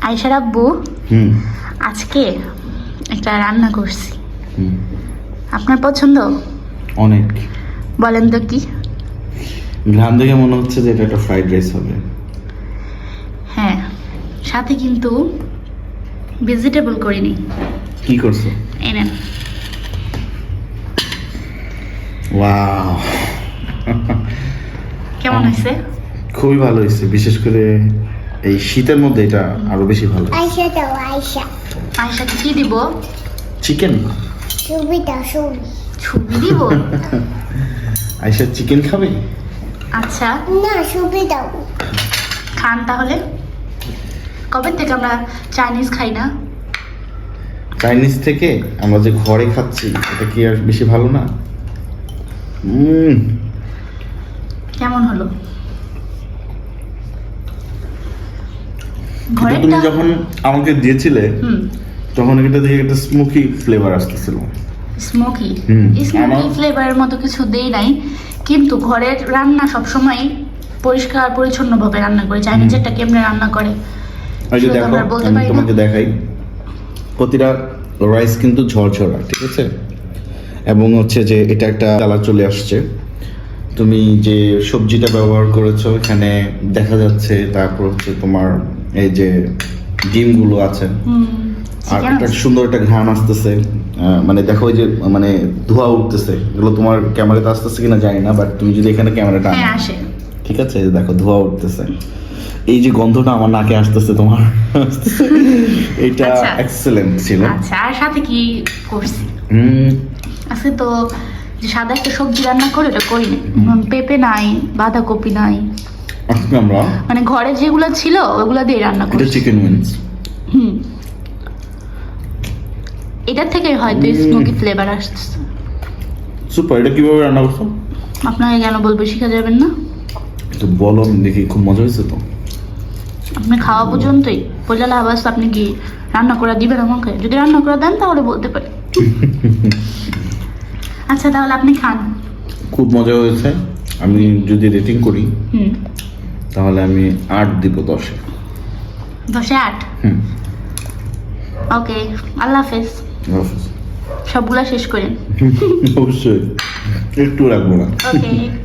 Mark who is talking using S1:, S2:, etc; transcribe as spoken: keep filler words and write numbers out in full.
S1: আয়েশার আব্বু
S2: হুম
S1: আজকে একটা রান্না করছি,
S2: হুম
S1: আপনার পছন্দ?
S2: অনেক।
S1: বলেন তো কি?
S2: ঘ্রাণ দেখে মনে হচ্ছে যে এটা একটা ফ্রাইড রাইস হবে।
S1: হ্যাঁ, সাথে কিন্তু ভেজিটেবল করিনি।
S2: কি করছো?
S1: এই নেন।
S2: ওয়াও,
S1: কেমন হয়েছে?
S2: খুবই ভালো হয়েছে, বিশেষ করে এই শীতের মধ্যে এটা আরো বেশি ভালো।
S3: আয়শা দাও আয়শা
S1: আয়েশাকে কি দিব?
S2: চিকেন।
S3: ছবি দাও ছবি
S1: ছবি দিব?
S2: আয়শা চিকেন খাবে?
S1: আচ্ছা
S3: না ছবি দাও
S1: খান তাহলে। কবে থেকে আমরা চাইনিজ খাই না?
S2: চাইনিজ থেকে আমরা যে ঘরে খাচ্ছি এটা কি আর বেশি ভালো না? হুম
S1: কেমন হলো?
S2: কিন্তু তুমি
S1: ঘরেরটা?
S2: যখন আমাকে দিয়েছিলে
S1: হুম,
S2: তখন এটা থেকে একটা স্মোকি ফ্লেভার আসতেছিল।
S1: স্মোকি
S2: হুম,
S1: স্মোকি
S2: আমার-
S1: ফ্লেভারের মতো কিছু দেই নাই, কিন্তু ঘরের রান্না সবসময় পরিষ্কার পরিচ্ছন্নভাবে রান্না করে। চাইনিজেরটা কেমনে রান্না করে
S2: এই যে
S1: সেটা তো
S2: দেখো,
S1: আমরা বলতে
S2: আমি
S1: পারি না।
S2: তোমাকে দেখাই, প্রতিটা রাইস কিন্তু ঝরঝরা, ঠিক আছে? এবং হচ্ছে যে এটা একটা কালার চলে আসছে। তুমি যে সবজিটা ব্যবহার করেছো এখানে দেখা যাচ্ছে, তারপর হচ্ছে তোমার এই যে ডিমগুলো আছে,
S1: হুম,
S2: আর
S1: chicken
S2: একটা
S1: আছে।
S2: সুন্দর একটা ঘ্রাণ আসতেছে। আহ, মানে দেখো ওই যে মানে ধোঁয়া উঠতেছে, এগুলো তোমার ক্যামেরাতে আসতেছে কিনা জানি না, বাট তুমি যদি এখানে ক্যামেরাটা
S1: হ্যাঁ আসে।
S2: ঠিক আছে, এই যে দেখো ধোঁয়া উঠতেছে, এই যে গন্ধটা আমার নাকে আসতেছে তোমার এটা
S1: আচ্ছা।
S2: এক্সেলেন্ট ছিল।
S1: আচ্ছা, আর সাথে কি করছি?
S2: হুম
S1: আজকে তো যে সাদা একটা সবজি রান্না করে ওটা করিনি। উম, পেঁপে নাই, বাঁধাকপি নাই,
S2: আজকে আমরা
S1: মানে ঘরে যেগুলো ছিল ওগুলো দিয়ে রান্না
S2: এটা
S1: করছি।
S2: Chicken wings.
S1: হুম, এটার থেকে হয়তো
S2: হুম।
S1: স্মোকি ফ্লেভার আসছে।
S2: সুপার, এটা কিভাবে রান্না করছো?
S1: আপনাকে কেন বলবো, শিখা যাবেন না?
S2: তো বলো, আমি দেখি, খুব মজা হয়েছে তো।
S1: আপনি খাওয়া পর্যন্তই বললে আবাস, আপনি কি রান্না করে দিবেন আমাকে? যদি রান্না করে দেন তাহলে বলতে পারি। আচ্ছা তাহলে আপনি খান।
S2: খুব মজা হয়েছে। আমি যদি রেটিং করি
S1: হুম,
S2: তাহলে আমি আট দিব দশে।
S1: দশে আট।
S2: হুম,
S1: ওকে, আল্লাহ হাফেজ।
S2: অবশ্যই
S1: সবগুলা শেষ করেন।
S2: অবশ্যই একটু রাখবো না।
S1: ওকে।